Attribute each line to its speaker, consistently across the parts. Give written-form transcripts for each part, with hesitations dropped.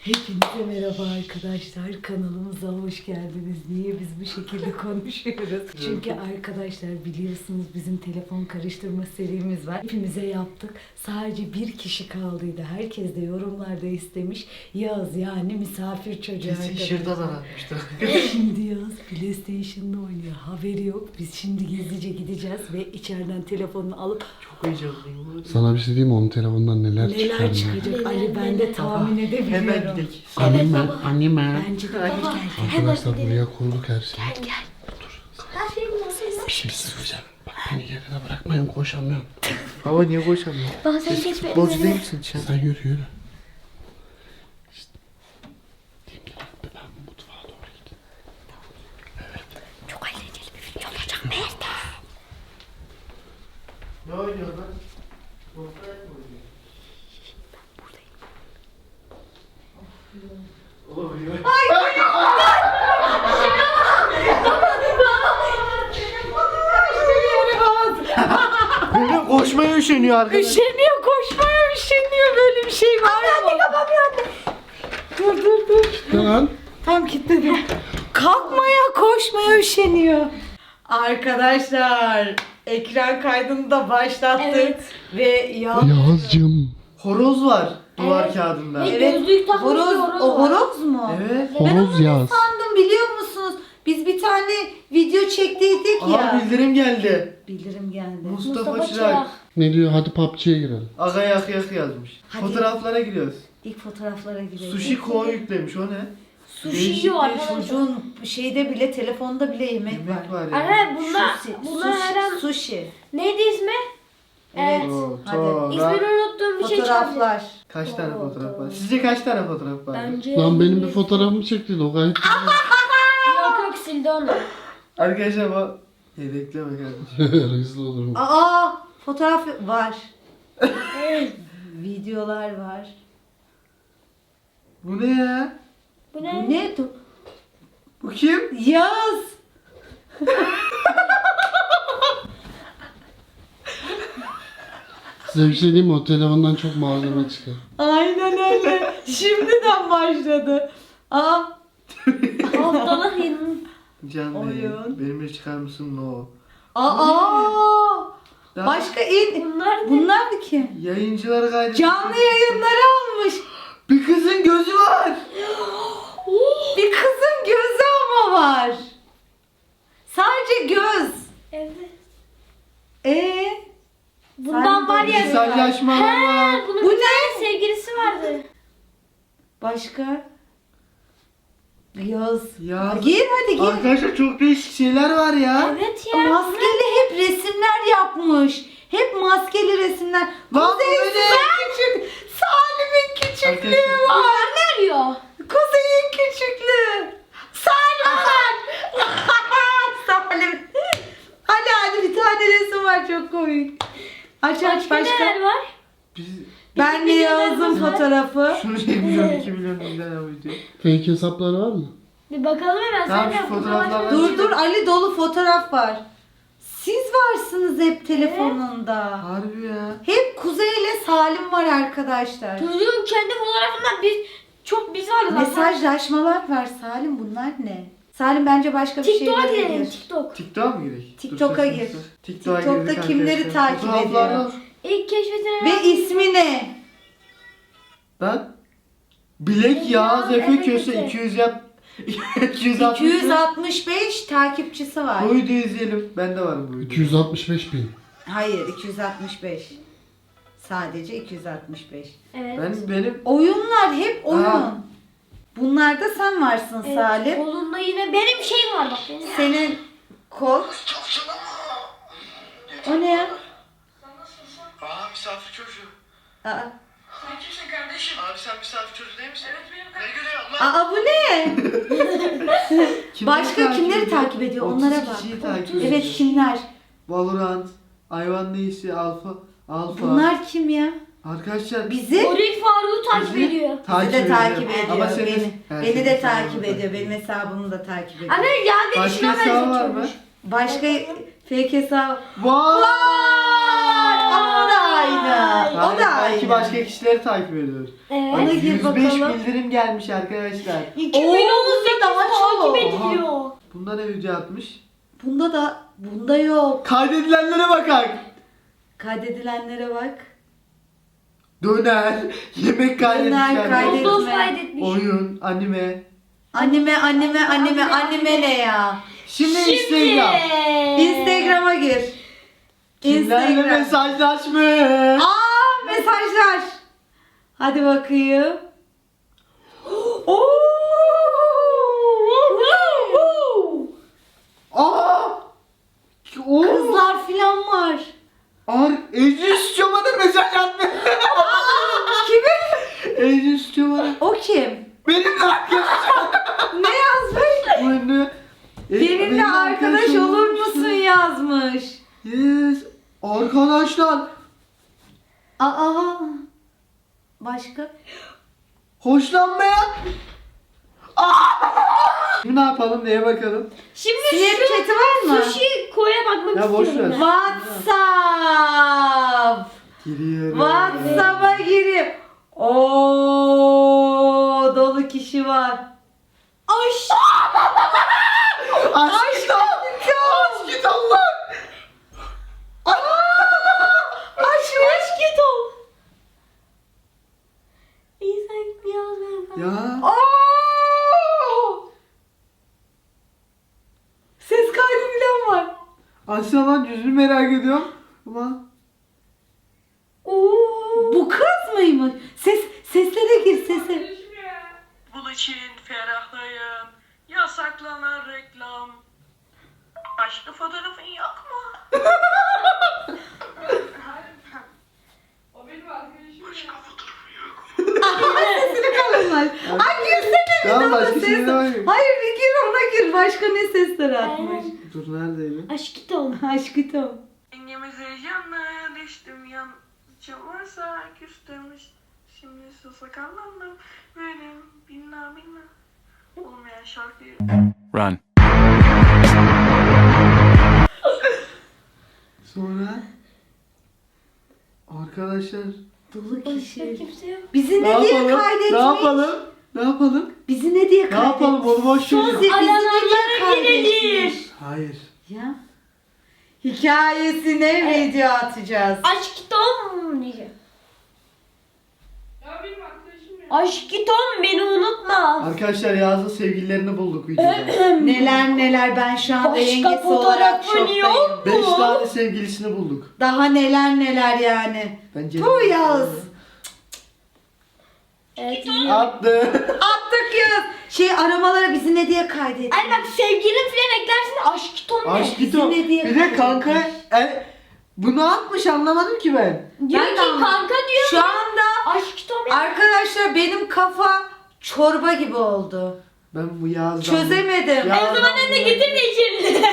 Speaker 1: Hepinize merhaba arkadaşlar. Kanalımıza hoş geldiniz. Niye biz bu şekilde konuşuyoruz? Çünkü arkadaşlar biliyorsunuz bizim telefon karıştırma serimiz var. Hepimize yaptık. Sadece bir kişi kaldıydı. Herkes de yorumlarda istemiş. Yağız yani misafir çocuğu arkadaşlar.
Speaker 2: Şırdan aratmıştı.
Speaker 1: Şimdi Yağız PlayStation'da oynuyor. Haberi yok. Biz şimdi gizlice gideceğiz ve içeriden telefonunu alıp
Speaker 2: Çok heyecanlıyım.
Speaker 3: Sana bir şey diyeyim mi? Onun telefonundan neler çıkar
Speaker 1: neler
Speaker 3: ya.
Speaker 1: çıkacak Ali ben de tahmin edebiliyorum.
Speaker 2: Hemen gidelim.
Speaker 3: Annem ben, annem ben.
Speaker 1: Bence de Ali gel.
Speaker 3: Arkadaşlar buraya kurduk her şeyi.
Speaker 1: Gel.
Speaker 4: Her şeyin nasıl?
Speaker 3: Bir şey söyleyeceğim. Bak beni geride bırakmayın, koşamıyorum.
Speaker 2: Baba niye koşamıyor?
Speaker 4: Baba sen
Speaker 2: Siz
Speaker 4: geç
Speaker 2: futbolcu
Speaker 4: benim
Speaker 2: değil
Speaker 4: yerime.
Speaker 2: misin sen?
Speaker 3: Sen yürü. İşte. Diyeyim ki ben mutfağa doğru gideyim.
Speaker 4: Çok eğlenceli bir video olacak Mert.
Speaker 2: Ne oynuyor lan? Fortnite mi oynuyor? Buradayım. Benim koşmaya üşeniyor arkadaşlar.
Speaker 1: Üşeniyor, koşmaya üşeniyor. Böyle bir şey var mı? Dur.
Speaker 3: Lan.
Speaker 1: Tam kilitledim. Kalkmaya, koşmaya üşeniyor. Arkadaşlar, ekran kaydını da başlattık.
Speaker 4: Evet.
Speaker 1: Ve
Speaker 3: Yağız'cığım.
Speaker 2: Horoz var duvar
Speaker 4: Evet.
Speaker 2: kağıdında.
Speaker 4: Evet. Gözlük takmış bir horoz
Speaker 1: o
Speaker 4: var.
Speaker 1: horoz mu?
Speaker 2: Evet.
Speaker 3: Horoz Yağız.
Speaker 1: Sandım biliyor musunuz? Biz bir tane video çektiydik
Speaker 2: Aha
Speaker 1: ya.
Speaker 2: bildirim geldi.
Speaker 1: Bildirim geldi.
Speaker 2: Mustafa Çırak.
Speaker 3: Ne diyor? Hadi PUBG'ye girelim.
Speaker 2: Aga yak yak yazmış.
Speaker 1: Hadi.
Speaker 2: Fotoğraflara giriyoruz.
Speaker 1: İlk fotoğraflara girelim.
Speaker 2: Sushi Ko yüklemiş o ne?
Speaker 4: Sushi
Speaker 2: Değişik
Speaker 4: yiyor
Speaker 2: değişik
Speaker 4: arkadaşlar.
Speaker 1: Çocuğun şeyde bile, telefonda bile yemek var.
Speaker 2: Yemek var ya.
Speaker 4: Anne bunlar
Speaker 1: Sushi.
Speaker 4: her an
Speaker 1: Sushi.
Speaker 4: neydi ismi? Evet.
Speaker 1: Hadi.
Speaker 4: İsmini unuttuğum bir şey çaldı.
Speaker 1: Fotoğraflar.
Speaker 2: Kaç tane fotoğraf var? Sizce kaç tane fotoğraf var?
Speaker 4: Bence
Speaker 3: Lan benim bir fotoğrafımı çekti o gayet
Speaker 4: yok sildi onu.
Speaker 2: Arkadaşlar bu yedekleme kardeşim.
Speaker 3: hızlı olurum.
Speaker 1: Aa, fotoğraf var. Videolar var.
Speaker 2: Bu ne ya?
Speaker 4: Bu
Speaker 1: Bu
Speaker 4: ne?
Speaker 1: ne?
Speaker 2: Bu kim?
Speaker 1: Yaz.
Speaker 3: Size bir şey diyeyim mi? O telefondan çok malzeme çıkar.
Speaker 1: Aynen öyle. Şimdiden başladı. Aa,
Speaker 4: Haftalık yeni.
Speaker 2: Can
Speaker 1: Oyun.
Speaker 2: benim. Benimle çıkar mısın? No.
Speaker 1: aa.
Speaker 2: Daha
Speaker 1: Başka in.
Speaker 4: Bunlar ne?
Speaker 1: Bunlar da kim?
Speaker 2: yayıncıları kaydetmiş.
Speaker 1: Canlı yayınları almış.
Speaker 2: Bir kızın gözü var.
Speaker 1: Bir kızın gözü ama var. Sadece göz.
Speaker 4: Evet.
Speaker 1: Sen
Speaker 4: Bundan var
Speaker 1: de
Speaker 4: ya.
Speaker 2: Mesajlaşmalar var.
Speaker 4: Bunun
Speaker 1: Bu
Speaker 4: bir
Speaker 1: ne?
Speaker 4: tane sevgilisi vardı.
Speaker 1: Başka? Yaz.
Speaker 2: Ya.
Speaker 1: Gir hadi gir.
Speaker 2: Arkadaşlar çok değişik şeyler var ya.
Speaker 4: Evet ya.
Speaker 1: Maskeli hep resimler yapmış. Hep maskeli resimler.
Speaker 2: Lan
Speaker 1: Kuzey'in
Speaker 2: bu ne?
Speaker 1: küçük. Salim'in küçüklüğü
Speaker 2: Arkadaşlar-
Speaker 1: var.
Speaker 4: Bunlar ne arıyor?
Speaker 1: Kuzey'in küçüklüğü. Salim var. Salim. Hadi bir tane resim var çok komik. Aç
Speaker 4: Başka neler var?
Speaker 2: Biz
Speaker 1: Ben de yazdım
Speaker 4: var.
Speaker 1: fotoğrafı.
Speaker 2: şunu 1 milyon 2 milyon izlenen video.
Speaker 3: Fake hesapları var mı?
Speaker 4: Bir bakalım hemen.
Speaker 2: Tamam,
Speaker 4: Sen
Speaker 2: şu
Speaker 4: de buna
Speaker 2: fotoğraflardan-
Speaker 4: başla.
Speaker 1: Dur Ali dolu fotoğraf var. Siz varsınız hep telefonunda.
Speaker 2: Harbi ya.
Speaker 1: Hep Kuzey ile Salim var arkadaşlar.
Speaker 4: Çocuğun kendi fotoğrafından biz varız aslında.
Speaker 1: Mesajlaşmalar var Salim, bunlar ne? Salim bence başka bir
Speaker 4: TikTok'a
Speaker 1: şeylere
Speaker 4: girelim.
Speaker 1: gir.
Speaker 4: TikTok.
Speaker 2: TikTok'a mı girek?
Speaker 1: TikTok'a
Speaker 2: Dur,
Speaker 1: gir.
Speaker 2: dur. TikTok'a
Speaker 1: TikTok'ta
Speaker 2: girdik
Speaker 1: kimleri
Speaker 2: arkadaşlar.
Speaker 1: takip
Speaker 2: Fotoğraflardan-
Speaker 1: ediyor?
Speaker 4: İlk keşfetilen.
Speaker 1: Ve ismi ne?
Speaker 2: Ben Bilek Yağız Efe
Speaker 4: Efe
Speaker 2: Köse
Speaker 4: Köse.
Speaker 2: 260
Speaker 1: 265 takipçisi var.
Speaker 2: Bu videoyu izleyelim. Ben de varım bu videoda.
Speaker 3: 265 bin.
Speaker 1: Hayır 265. Sadece 265.
Speaker 4: Evet.
Speaker 2: Benim
Speaker 1: Oyunlar hep oyun.
Speaker 2: Aa.
Speaker 1: Bunlarda sen varsın
Speaker 4: Evet,
Speaker 1: Salim.
Speaker 4: Kolunda yine benim şeyim var bak. Benim.
Speaker 1: Senin kol. O ne ya?
Speaker 2: Aa misafir çocuğu.
Speaker 1: Aa,
Speaker 2: Sen kimsin kardeşim? Abi sen misafir çocuğu değil misin? Evet benim kardeşim. Ne gülüyorsun lan?
Speaker 1: bu ne? Başka kimleri takip ediyor? Onlara
Speaker 2: 30
Speaker 1: bak.
Speaker 2: kişiyi takip
Speaker 1: Evet
Speaker 2: ediyor.
Speaker 1: kimler?
Speaker 2: Valorant, Hayvan Neyisi, Alfa.
Speaker 1: Bunlar kim ya?
Speaker 2: Arkadaşlar
Speaker 1: Bizi?
Speaker 4: Goril Faruk'u takip
Speaker 2: Bizi-
Speaker 4: ediyor.
Speaker 1: Bizi de takip
Speaker 2: ediyor.
Speaker 1: ediyor.
Speaker 2: Ama senin-
Speaker 1: Beni,
Speaker 2: Ha,
Speaker 1: beni
Speaker 2: senin
Speaker 1: de
Speaker 2: hesabını
Speaker 1: takip ediyor. Benim hesabımı da takip ediyor.
Speaker 4: Anne ya beni
Speaker 2: Başka
Speaker 4: şuna
Speaker 2: hesabı var mı?
Speaker 4: benzetiyormuş.
Speaker 1: Başka fake hesap
Speaker 2: Vay!
Speaker 1: var ama da aynı. O
Speaker 3: Hayır,
Speaker 1: da
Speaker 3: belki
Speaker 1: aynı.
Speaker 3: başka kişileri takip ediyor.
Speaker 4: Evet.
Speaker 1: Ona gir
Speaker 3: 105
Speaker 1: bakalım.
Speaker 3: bildirim gelmiş arkadaşlar.
Speaker 4: 2018
Speaker 1: daha çok.
Speaker 4: takip ediliyor.
Speaker 3: Bunda ne video atmış?
Speaker 1: Bunda yok.
Speaker 3: Kaydedilenlere bakak.
Speaker 1: Kaydedilenlere bak.
Speaker 3: Döner, yemek kaydetmişler.
Speaker 1: kaydetme.
Speaker 4: Dost kaydetmiş.
Speaker 3: Oyun, anime.
Speaker 1: Anime ne ya?
Speaker 3: Şimdi Instagram.
Speaker 1: Instagram'a gir.
Speaker 3: Kimlerle mesajlaşmış?
Speaker 1: Aa, mesajlar. Hadi bakayım. Oo!
Speaker 3: Aa! Oo!
Speaker 1: Kızlar filan var.
Speaker 3: Ejus Çoban'a mesaj atmış.
Speaker 1: Kimi?
Speaker 3: Ejus Çoban'a.
Speaker 1: O kim?
Speaker 3: Benimle arkadaş.
Speaker 1: Ne yazmış? Benimle arkadaş olur musun yazmış.
Speaker 3: Yes. Arkadaşlar.
Speaker 1: Aa. Başka?
Speaker 3: Hoşlanmayan. Şimdi ne yapalım? Neye bakalım?
Speaker 4: Şimdi
Speaker 1: Snapchat'i var mı?
Speaker 4: Sushi koya bakmak
Speaker 3: Ya boş
Speaker 4: istiyorum
Speaker 3: ver.
Speaker 4: ben.
Speaker 1: WhatsApp.
Speaker 3: Giriyorum.
Speaker 1: WhatsApp'a girip. Oo, dolu kişi var.
Speaker 4: Ay.
Speaker 3: Aşk git Allah.
Speaker 4: Aşk git ol. İyi sen yazmayın.
Speaker 3: Ya.
Speaker 1: Oo! Ses kaydı bilen var.
Speaker 3: Asya lan yüzünü merak ediyorum. Ama
Speaker 1: Oo! Bu kız mıymış? Seslere gir sese.
Speaker 5: Bunun için ferahlayın. Yasaklanan reklam. Aşkı fotoğrafın yok mu? O benim arkadaşım. Aşkı fotoğrafın yok.
Speaker 1: Sesini kalınlar. Ay girsene bir
Speaker 3: Tamam,
Speaker 1: daha
Speaker 3: başka
Speaker 1: ses.
Speaker 3: şeylere bakayım.
Speaker 1: Hayır bir gir ona gir. Başka ne sesler atmış?
Speaker 3: dur neredeydi?
Speaker 4: Aşk git ol.
Speaker 1: Aşkım.
Speaker 5: Dengemiz heyecanla düştüm yan. Çalarsa küstüm. Şimdi sakallandım. Benim binna olmayan şarkıyı.
Speaker 6: Run.
Speaker 3: Sonra arkadaşlar
Speaker 1: Dolu
Speaker 4: Başka
Speaker 1: kişi.
Speaker 4: kimse yok.
Speaker 1: Bizi
Speaker 3: ne
Speaker 1: ne diye
Speaker 3: yapalım?
Speaker 1: kaydetmiş?
Speaker 3: Ne yapalım? Ne yapalım?
Speaker 1: Bizi ne diye
Speaker 3: Ne
Speaker 1: kaydetmiş?
Speaker 3: yapalım? Onu boş
Speaker 1: Bizi
Speaker 3: ver.
Speaker 1: ne diye
Speaker 4: Alanlara girelim.
Speaker 1: kaydetmiş?
Speaker 3: Hayır.
Speaker 1: Ya. Hikayesine video atacağız.
Speaker 4: Aşk git ol diyeceğim. Aşk git ol beni unutma.
Speaker 3: Arkadaşlar Yağız'ın sevgililerini bulduk videoda.
Speaker 1: Neler ben şu anda
Speaker 4: Başka
Speaker 1: yengesi olarak
Speaker 4: fotoğrafın
Speaker 1: şoktayım.
Speaker 4: yok.
Speaker 3: 5 tane sevgilisini bulduk.
Speaker 1: Daha neler yani.
Speaker 3: Bence
Speaker 1: Bu yaz.
Speaker 4: Evet.
Speaker 3: attı.
Speaker 1: Attık ya. Aramalara bizi ne diye kaydetmiş?
Speaker 4: Ay bak sevgilin filan eklersin aşk git ol ne?
Speaker 3: Aşk git o.
Speaker 1: ne diye
Speaker 3: Bir de kanka bunu atmış anlamadım ki ben.
Speaker 4: Diyor
Speaker 1: Ben de
Speaker 4: ki
Speaker 1: anladım.
Speaker 4: kanka diyor.
Speaker 1: Şu anda
Speaker 4: Aşk git ol ne?
Speaker 1: arkadaşlar benim kafa çorba gibi oldu.
Speaker 3: Ben bu Yağız'dan...
Speaker 1: Çözemedim.
Speaker 3: Ya-
Speaker 4: O zaman önüne getir de içelim.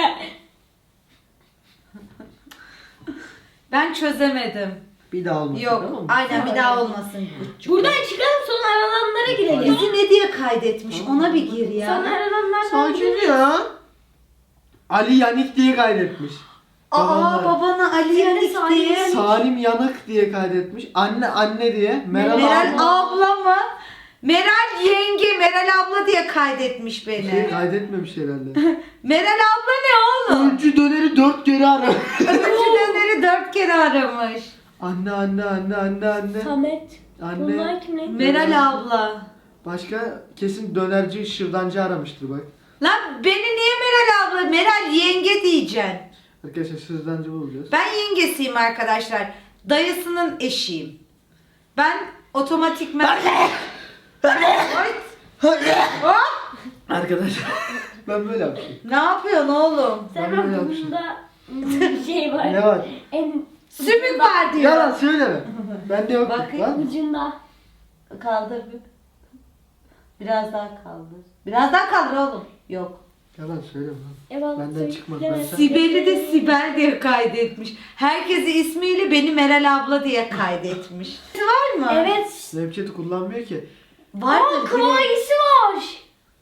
Speaker 1: Ben çözemedim.
Speaker 3: Bir daha olmasın
Speaker 1: Yok.
Speaker 3: tamam mı?
Speaker 1: Aynen bir daha olmasın.
Speaker 4: Buradan çıkalım sonra aralanlara girelim.
Speaker 1: Bizi ne diye kaydetmiş? Ona bir gir
Speaker 4: Sonra
Speaker 1: ya.
Speaker 4: aralanlardan
Speaker 3: Sakin ya. Ali Yanik diye kaydetmiş.
Speaker 1: Aa
Speaker 3: Babamlar.
Speaker 1: babana Ali
Speaker 4: Senin de
Speaker 1: Yanık
Speaker 4: Salim
Speaker 1: diye.
Speaker 4: Yanık.
Speaker 3: Salim Yanık diye kaydetmiş. Anne diye. Meral
Speaker 1: Meral
Speaker 3: abla.
Speaker 1: abla mı? Meral yenge, Meral abla diye kaydetmiş beni.
Speaker 3: Kaydetmemiş herhalde.
Speaker 1: Meral abla ne oğlum?
Speaker 3: Öncü döneri 4 kere ara.
Speaker 1: Öncüdenleri 4 kere aramış.
Speaker 3: Anne.
Speaker 4: Samet.
Speaker 3: Anne.
Speaker 4: Bunlar kim ne?
Speaker 1: Meral abla.
Speaker 3: Başka kesin dönerci şırdancı aramıştır bak.
Speaker 1: Lan beni niye Meral abla? Meral yenge diyeceksin.
Speaker 3: Arkadaşlar şırdancı bulacağız.
Speaker 1: Ben yengesiyim arkadaşlar. Dayısının eşiyim. Ben otomatikman... Ay, hop!
Speaker 3: Arkadaşlar ben böyle yapmışım.
Speaker 1: Ne yapıyorsun oğlum?
Speaker 3: Ben
Speaker 4: Sen
Speaker 3: böyle yapmışım.
Speaker 4: burnunda bir şey var.
Speaker 3: Ne var?
Speaker 4: En
Speaker 1: Sümük var diyor.
Speaker 3: Yalan söyleme. Bende yok.
Speaker 1: Bakayım.
Speaker 3: Var mı?
Speaker 4: ucunda.
Speaker 1: Kaldır bir. Biraz daha kaldır. Biraz daha kaldır oğlum. Yok.
Speaker 3: Yalan söyleme lan.
Speaker 4: Eyvallah.
Speaker 3: Benden çıkmaz,
Speaker 4: Evet.
Speaker 3: ben sen-
Speaker 1: Sibel'i de Sibel diye kaydetmiş. Herkesi ismiyle beni Meral abla diye kaydetmiş. Var mı?
Speaker 4: Evet.
Speaker 3: Snapchat'i kullanmıyor ki.
Speaker 1: Vardır.
Speaker 4: Kıvayisi var.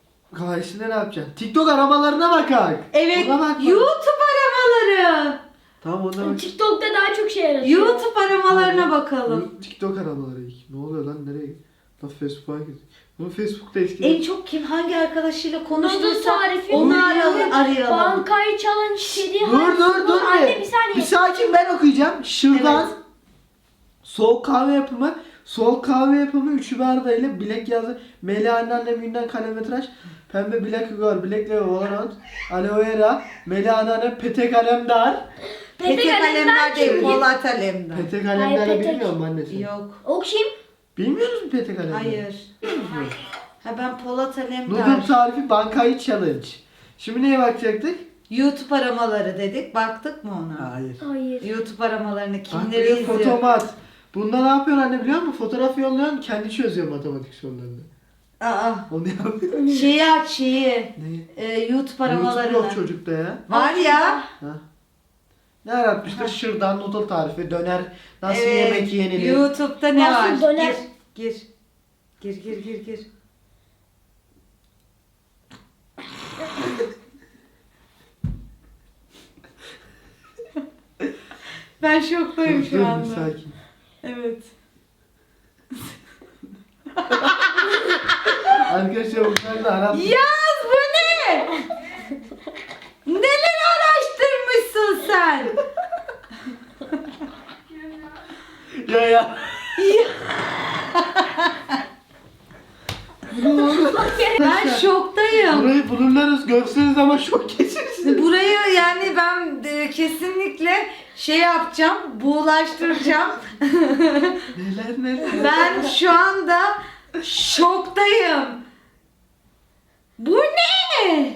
Speaker 3: Kahvesinde ne yapacaksın? TikTok aramalarına bakak.
Speaker 1: Evet.
Speaker 3: Ona bak.
Speaker 1: YouTube aramaları.
Speaker 3: Tamam ona bak.
Speaker 4: TikTok'ta daha çok şey yaratıyor.
Speaker 1: YouTube aramalarına bakalım.
Speaker 3: TikTok aramaları ilk. Ne oluyor lan nereye? Lan Facebook'a girdik. Bunu Facebook'ta eskiden.
Speaker 1: En çok kim hangi arkadaşıyla
Speaker 4: Noodle
Speaker 1: konuştuysa
Speaker 4: tarifi.
Speaker 1: onu arayalım.
Speaker 4: Bankayı çalan kedi.
Speaker 3: Dur.
Speaker 4: Anne bir saniye.
Speaker 3: Bir sakin ben okuyacağım. Şuradan soğuk kahve yapımı. Soğuk kahve yapımı 3 barda ile bilek yazı. Meli anneannem günden kalemitraş. Pembe bilek Igor, bilek Leo, Valorant, Aloe Vera, Meli anneannem pete kalemdar.
Speaker 1: Pete kalemler değil, Polat Alemdar.
Speaker 3: Pete kalemdarı
Speaker 4: Petek.
Speaker 3: bilmiyor musun annesi?
Speaker 1: Yok.
Speaker 4: O kim?
Speaker 3: Bilmiyor musun pete kalemdarı?
Speaker 1: Hayır. Ha ben Polat
Speaker 3: Noodle
Speaker 1: Alemdar.
Speaker 3: tarifi bankayı challenge. Şimdi neye bakacaktık?
Speaker 1: YouTube aramaları dedik. Baktık mı ona?
Speaker 3: Hayır.
Speaker 4: Hayır.
Speaker 1: YouTube aramalarını
Speaker 3: Bak
Speaker 1: kimleri
Speaker 3: bir de
Speaker 1: izliyor?
Speaker 3: fotomat. Bunda ne yapıyorsun anne biliyor musun? Fotoğraf yolluyorsun kendi çözüyor matematik sorularını.
Speaker 1: Aa.
Speaker 3: Onu yapıyor.
Speaker 1: Şeyi aç şeyi.
Speaker 3: Ne?
Speaker 1: YouTube aramalarını.
Speaker 3: YouTube yok çocukta ya.
Speaker 1: Var ya.
Speaker 3: Ha. Ne yaratmıştır? Şırdan noodle tarifi, döner, nasıl
Speaker 1: Evet,
Speaker 3: yemek yenilir.
Speaker 1: YouTube'da ne
Speaker 4: Nasıl
Speaker 1: var?
Speaker 4: döner?
Speaker 1: Gir. Gir. Ben şoktayım
Speaker 3: Dur,
Speaker 1: şu
Speaker 3: dur,
Speaker 1: anda.
Speaker 3: sakin.
Speaker 1: Evet.
Speaker 3: Arkadaşlar bunlar da Arap.
Speaker 1: Yaz bu ne? Neler araştırmışsın sen?
Speaker 3: Ya.
Speaker 1: Ben şoktayım.
Speaker 3: Burayı bulurlarız görseniz ama şok geçirsiniz.
Speaker 1: Burayı yani ben kesinlikle şey yapacağım, buğulaştıracağım.
Speaker 3: Neler.
Speaker 1: Ben şu anda şoktayım. Bu ne?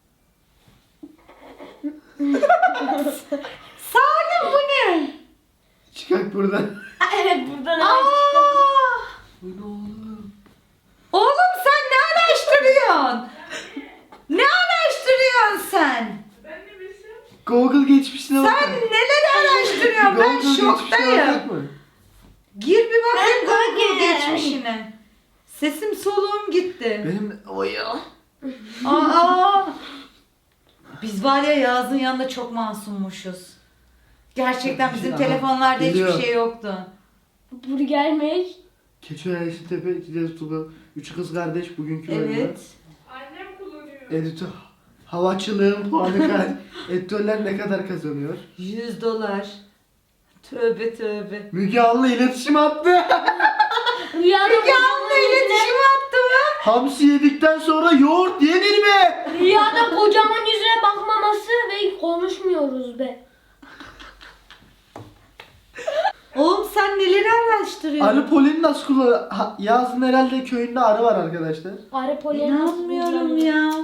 Speaker 1: Salim bu ne?
Speaker 3: Çıkak buradan.
Speaker 4: Evet buradan
Speaker 1: Aa!
Speaker 3: Bu ne oğlum?
Speaker 1: Oğlum sen ne araştırıyorsun? Ne araştırıyorsun sen?
Speaker 5: Ben ne bilsin?
Speaker 3: Google geçmişine bakın.
Speaker 1: Sen neler araştırıyorsun? Ben
Speaker 3: Google geçmişine
Speaker 1: şoktayım.
Speaker 3: bakacak mı?
Speaker 1: Gir bir bakayım
Speaker 4: Ben
Speaker 1: Google
Speaker 4: Google.
Speaker 1: geçmişine. Sesim soluğum gitti.
Speaker 3: Benim o ya.
Speaker 1: Aa! Biz var ya Yağız'ın yanında çok masummuşuz. Gerçekten bizim
Speaker 3: Aha,
Speaker 1: telefonlarda
Speaker 3: geliyor.
Speaker 1: hiçbir şey yoktu.
Speaker 4: Burger mi?
Speaker 3: Keçiören Yeşiltepe, İkidez Tuba, Üç Kız Kardeş bugünkü bölümü.
Speaker 1: Evet.
Speaker 5: Annem kullanıyor.
Speaker 3: Editör. Havaçılığın puanı kaç? Editörler ne kadar kazanıyor?
Speaker 1: $100. Tövbe.
Speaker 3: Müge Anlı iletişim attı.
Speaker 4: Rüyada
Speaker 1: Müge Anlı iletişim attı mı?
Speaker 3: Hamsi yedikten sonra yoğurt yenir mi?
Speaker 4: Rüyada kocaman yüzüne bakmaması ve konuşmuyoruz be.
Speaker 1: Oğlum sen neleri araştırıyorsun?
Speaker 3: Arı poleni nasıl kullanır? Yazın herhalde köyünde arı var arkadaşlar.
Speaker 4: Arı poleni
Speaker 1: İnanmıyorum ya.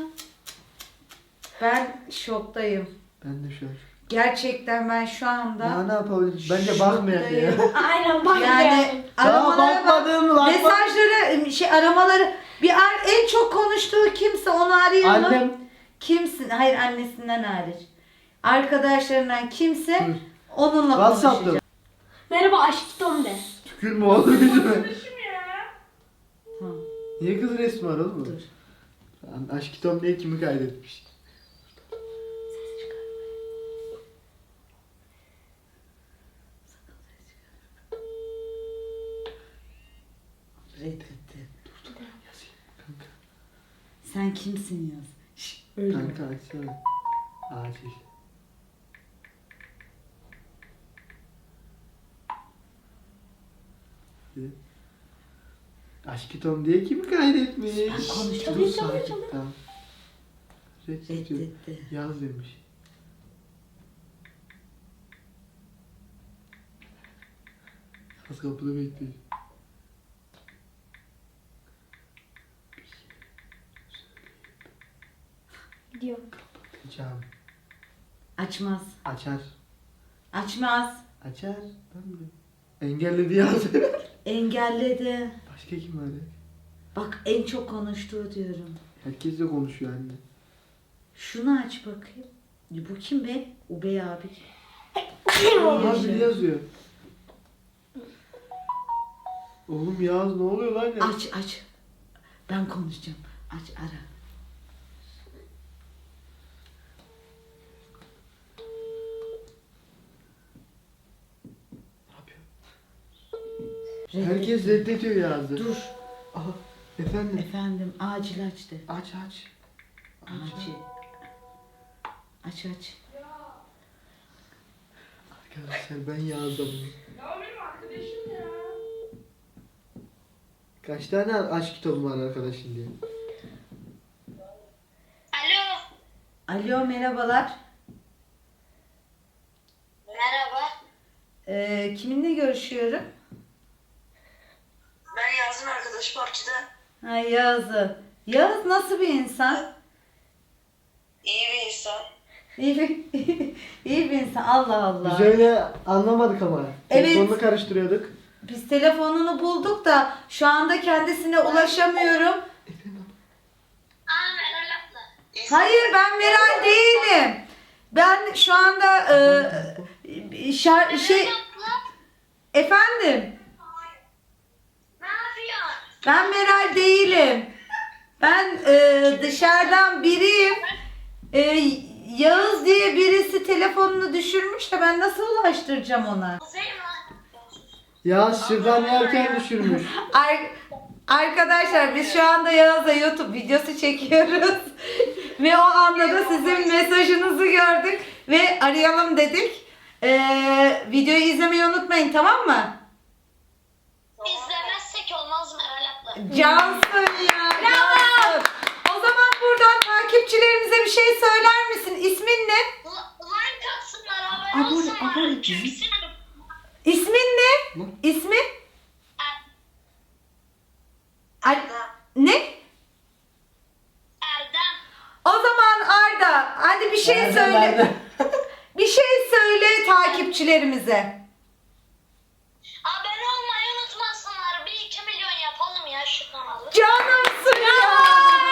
Speaker 1: Ben şoktayım.
Speaker 3: Ben de şu an.
Speaker 1: Gerçekten ben şu anda
Speaker 3: Ya ne yapabiliriz? Bence bakmayak ya.
Speaker 1: şoktayım.
Speaker 4: Aynen bak
Speaker 1: Yani
Speaker 3: Daha
Speaker 1: aramalara bak.
Speaker 3: bakmadım lan.
Speaker 1: Mesajları, aramaları en çok konuştuğu kimse onu arayalım.
Speaker 3: Annem.
Speaker 1: Kimsin? Hayır annesinden hariç. Arkadaşlarından kimse
Speaker 3: Dur.
Speaker 1: onunla
Speaker 3: WhatsApp'ta.
Speaker 1: konuşacak.
Speaker 4: Merhaba aşkım de.
Speaker 3: Tükürme oğlum yüzüme.
Speaker 5: Kardeşim ya.
Speaker 1: Hı.
Speaker 3: Niye kız resmi var oğlum?
Speaker 1: Dur.
Speaker 3: Aşk Tom diye kimi kaydetmiş?
Speaker 1: Reddetti.
Speaker 3: Yazayım kanka.
Speaker 1: Sen kimsin yaz. Şş, öyle.
Speaker 3: Kanka açsana. Acil. Aşk Tom diye kimi kaydetmiş?
Speaker 1: konuştum.
Speaker 3: Dur sakin tamam. Reddediyor.
Speaker 1: Reddetti.
Speaker 3: Yaz demiş. Yaz kapıda bekliyor.
Speaker 4: Gidiyor.
Speaker 3: Kapatacağım.
Speaker 1: Açmaz.
Speaker 3: Açar.
Speaker 1: Açmaz.
Speaker 3: Açar. Ben mi? Engelledi yaz.
Speaker 1: Engelledi.
Speaker 3: Başka kim var ya?
Speaker 1: Bak en çok konuştuğu diyorum.
Speaker 3: Herkes de konuşuyor anne.
Speaker 1: Şunu aç bakayım. Bu kim be? Ubey abi.
Speaker 3: Aha biri yazıyor. Oğlum Yağız ne oluyor lan ya?
Speaker 1: Aç. Ben konuşacağım. Aç ara.
Speaker 3: Herkes reddediyor yazdı.
Speaker 1: Dur.
Speaker 3: Aha, efendim.
Speaker 1: Efendim acil aç de.
Speaker 3: Aç aç.
Speaker 1: Acil. Aç.
Speaker 3: Arkadaşlar ben yazdım.
Speaker 5: Ya o benim arkadaşım ya.
Speaker 3: Kaç tane aşk kitabı var arkadaşın diye.
Speaker 4: Alo.
Speaker 1: Alo merhabalar.
Speaker 4: Merhaba.
Speaker 1: Kiminle görüşüyorum?
Speaker 2: Ben Yaz'ın arkadaşı partide.
Speaker 1: Ha Yağız'ı. Yağız nasıl bir insan?
Speaker 2: İyi bir insan.
Speaker 1: İyi bir insan. Allah Allah.
Speaker 3: Biz öyle anlamadık ama.
Speaker 1: Evet.
Speaker 3: Telefonunu karıştırıyorduk.
Speaker 1: Biz telefonunu bulduk da şu anda kendisine ulaşamıyorum.
Speaker 4: Aa Meral abla.
Speaker 1: Hayır ben Meral değilim. Ben şu anda efendim
Speaker 4: Ne yapıyorsun?
Speaker 1: ben Meral değilim. Ben dışarıdan biriyim. Yağız diye birisi telefonunu düşürmüş de ben nasıl ulaştıracağım ona?
Speaker 4: Kuzey mi?
Speaker 3: Ya şırdan yerken düşürmüş.
Speaker 1: Arkadaşlar biz şu anda Yağız'a YouTube videosu çekiyoruz. Ve o anda da sizin mesajınızı gördük ve arayalım dedik. Videoyu izlemeyi unutmayın, tamam mı?
Speaker 4: İzlemezsek olmaz Meral abla.
Speaker 1: Cansın ya. Cansın. O zaman buradan takipçilerimize bir şey söyler misin? İsmin ne?
Speaker 4: Like atsınlar, abone olsunlar. Çünkü sen
Speaker 1: İsmin ne? İsmin? Ne?
Speaker 4: Erdem.
Speaker 1: O zaman Arda, hadi bir şey söyle. Bir şey söyle takipçilerimize.
Speaker 4: Abone olmayı unutmasınlar. 1-2 milyon yapalım ya şu kanalı.
Speaker 1: Canımsın ya.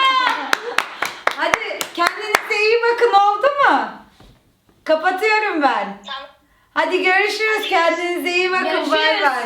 Speaker 1: Hadi kendinize iyi bakın, oldu mu? Kapatıyorum ben.
Speaker 4: Tamam.
Speaker 1: Hadi görüşürüz. Kendinize iyi bakın. Bay bay.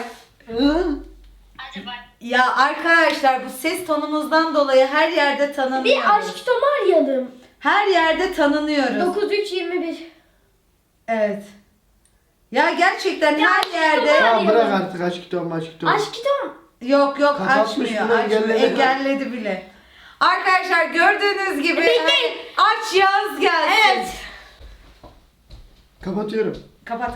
Speaker 4: Hadi bay.
Speaker 1: Ya arkadaşlar bu ses tonumuzdan dolayı her yerde tanınıyoruz.
Speaker 4: Bir aşk Tom'u arayalım.
Speaker 1: Her yerde tanınıyoruz.
Speaker 4: 9321.
Speaker 1: Evet. Ya gerçekten her
Speaker 4: aşk
Speaker 1: yerde.
Speaker 4: Tom'u
Speaker 3: Tamam bırak artık aşk kitabı aşk kitabı.
Speaker 4: Aşk Tom.
Speaker 1: Yok
Speaker 3: Kapatmış
Speaker 1: açmıyor.
Speaker 3: bile,
Speaker 1: Açmıyor.
Speaker 3: engelledi.
Speaker 1: Engelledi bile. Arkadaşlar gördüğünüz gibi
Speaker 4: Bekleyin.
Speaker 1: aç yaz gelsin.
Speaker 4: Evet.
Speaker 3: Kapatıyorum.
Speaker 1: Kapat.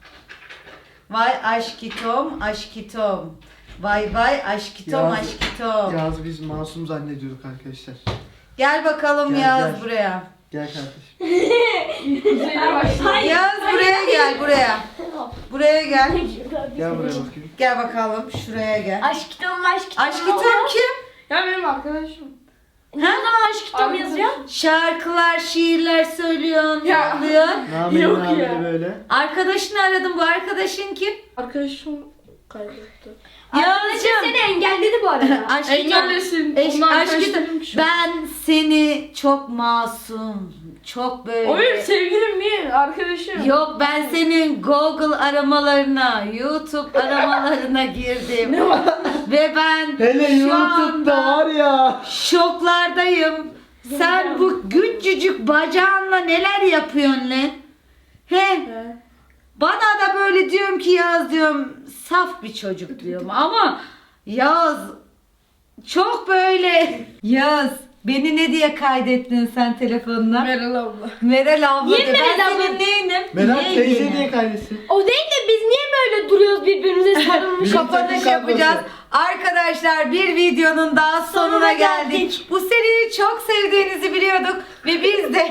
Speaker 1: Vay aşkitom aşkitom. Vay aşkitom
Speaker 3: Yaz.
Speaker 1: aşkitom.
Speaker 3: Yaz biz masum zannediyorduk arkadaşlar.
Speaker 1: Gel bakalım
Speaker 3: Gel,
Speaker 1: Yaz
Speaker 3: gel.
Speaker 1: buraya.
Speaker 3: Gel kardeşim.
Speaker 5: Kuzey'le başladı.
Speaker 1: Yaz buraya gel buraya. Buraya gel.
Speaker 3: Gel buraya bakayım.
Speaker 1: Gel bakalım şuraya gel.
Speaker 4: Aşk Tom.
Speaker 1: Aşkitom kim?
Speaker 5: Ya benim arkadaşım.
Speaker 4: Ne zaman aşk Tom yazıyor?
Speaker 1: Şarkılar, şiirler söylüyorsun,
Speaker 5: Ya.
Speaker 1: yapıyorsun.
Speaker 3: Namenin
Speaker 5: Yok
Speaker 3: haberi
Speaker 5: ya.
Speaker 3: böyle.
Speaker 1: Arkadaşını aradım. Bu arkadaşın kim?
Speaker 5: Arkadaşım kaybetti.
Speaker 1: Yağız'cığım.
Speaker 4: Seni engelledi bu arada.
Speaker 1: Aşkitom.
Speaker 5: Engellesin.
Speaker 1: Aşkitom.
Speaker 5: Onlar arkadaşlarım şu.
Speaker 1: Ben seni çok masum, çok böyle.
Speaker 5: O benim sevgilim değil, arkadaşım.
Speaker 1: Yok ben senin Google aramalarına, YouTube aramalarına girdim.
Speaker 5: Ne var?
Speaker 1: Ve ben
Speaker 3: Hele
Speaker 1: şu
Speaker 3: YouTube'da
Speaker 1: anda
Speaker 3: var ya.
Speaker 1: şoklardayım. Sen bu güncücük bacağınla neler yapıyorsun lan? He? Bana da böyle diyorum ki Yaz diyorum saf bir çocuk diyorum ama Yaz çok böyle. Yaz beni ne diye kaydettin sen telefonuna?
Speaker 5: Meral abla.
Speaker 1: Meral abla.
Speaker 4: Niye
Speaker 1: de.
Speaker 4: Meral
Speaker 1: Ben
Speaker 4: abla?
Speaker 1: senin neyinim?
Speaker 3: Meral teyze
Speaker 1: Yeğenim.
Speaker 3: diye kaydetsin.
Speaker 4: O değil de biz niye böyle duruyoruz birbirimize sarılmış?
Speaker 3: Bizim
Speaker 1: Kapanış
Speaker 3: takım
Speaker 1: yapacağız.
Speaker 3: kadrosu.
Speaker 1: Arkadaşlar bir videonun daha sonuna geldik. Bu seriyi çok sevdiğinizi biliyorduk ve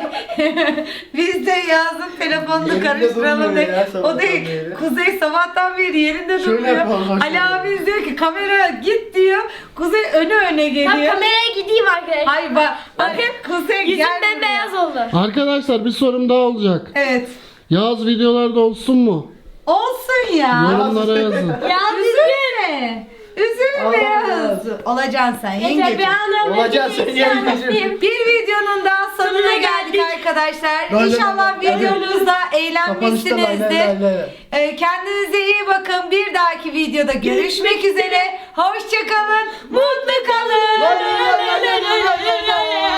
Speaker 1: biz de Yaz'ın telefonunu
Speaker 3: Yerinde
Speaker 1: karıştıralım
Speaker 3: durmuyor
Speaker 1: diye.
Speaker 3: ya
Speaker 1: O
Speaker 3: sabahtan
Speaker 1: değil.
Speaker 3: beri.
Speaker 1: Kuzey sabahtan beri yerinde
Speaker 3: Şöyle
Speaker 1: durmuyor.
Speaker 3: yapalım, bak
Speaker 1: Ali
Speaker 3: şöyle.
Speaker 1: abi diyor ki kamera git diyor. Kuzey öne
Speaker 4: Ben
Speaker 1: geliyor.
Speaker 4: kameraya gideyim arkadaşlar.
Speaker 1: Hayır bakın Kuzey
Speaker 4: Yüzüm
Speaker 1: gel buraya.
Speaker 4: bembeyaz oldu.
Speaker 6: Arkadaşlar bir sorum daha olacak.
Speaker 1: Evet.
Speaker 6: Yaz videolarda olsun mu?
Speaker 1: Olsun ya.
Speaker 6: Yorumlara yazın.
Speaker 4: Ya
Speaker 1: Üzülme. Üzülme
Speaker 3: Allah
Speaker 1: Yaz. Olacaksın sen yengeciğim.
Speaker 3: Olacaksın sen yengeciğim.
Speaker 1: Bir videonun daha sonuna geldik arkadaşlar.
Speaker 3: Lay lay
Speaker 1: İnşallah
Speaker 3: lay lay.
Speaker 1: videomuzda
Speaker 3: Kapanışta lay
Speaker 1: eğlenmişsinizdir.
Speaker 3: lay lay lay.
Speaker 1: Kendinize iyi bakın. Bir dahaki videoda görüşmek üzere. Hoşçakalın. Mutlu kalın.
Speaker 3: Lay lay lay lay lay lay lay.